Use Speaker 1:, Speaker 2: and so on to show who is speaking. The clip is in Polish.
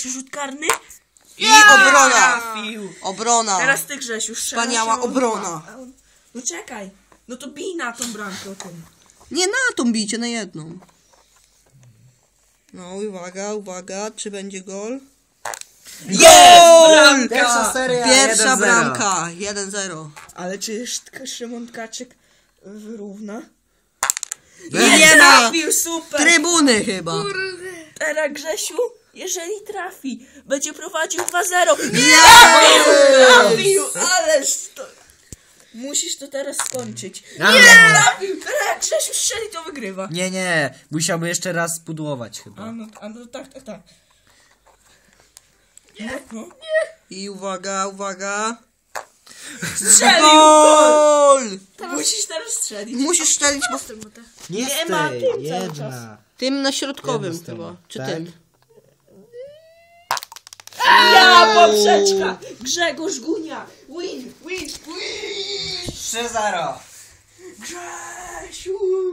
Speaker 1: Grzesiu rzut karny.
Speaker 2: I obrona!
Speaker 1: Trafił.
Speaker 2: Obrona!
Speaker 1: Teraz ty, Grzesiu, strzelasz.
Speaker 2: Wspaniała obrona.
Speaker 1: No czekaj. No to bij na tą bramkę o tym.
Speaker 2: Nie na tą bijcie, na jedną. No uwaga, uwaga, czy będzie gol? GOL!
Speaker 3: Pierwsza seria,
Speaker 2: Pierwsza
Speaker 3: 1-0.
Speaker 2: bramka, 1-0.
Speaker 1: Ale czy Szymon Tkaczyk wyrówna?
Speaker 2: Nie ma!
Speaker 1: Trafił, super!
Speaker 2: Trybuny chyba.
Speaker 1: Teraz Grzesiu, jeżeli trafi, będzie prowadził 2-0.
Speaker 2: Nie!
Speaker 1: Trafił, ależ to... Musisz to teraz skończyć.
Speaker 3: Nie!
Speaker 1: Trafił! Teraz jak Grzesiu strzeli, to wygrywa.
Speaker 3: Nie, musiałby jeszcze raz spudłować chyba.
Speaker 1: A no tak. No.
Speaker 2: I uwaga, uwaga.
Speaker 1: Strzelił!
Speaker 2: GOL!
Speaker 1: Musisz teraz strzelić.
Speaker 2: Musisz strzelić, bo
Speaker 1: Nie ma tym cały
Speaker 3: jedna.
Speaker 2: tym na środkowym
Speaker 3: Jedna
Speaker 2: chyba.
Speaker 3: strona.
Speaker 2: Czy
Speaker 3: Tak?
Speaker 2: tym?
Speaker 1: Ja, poprzeczka! Grzegorz Gunia! Win!
Speaker 3: 3-0.
Speaker 1: Grzesiu!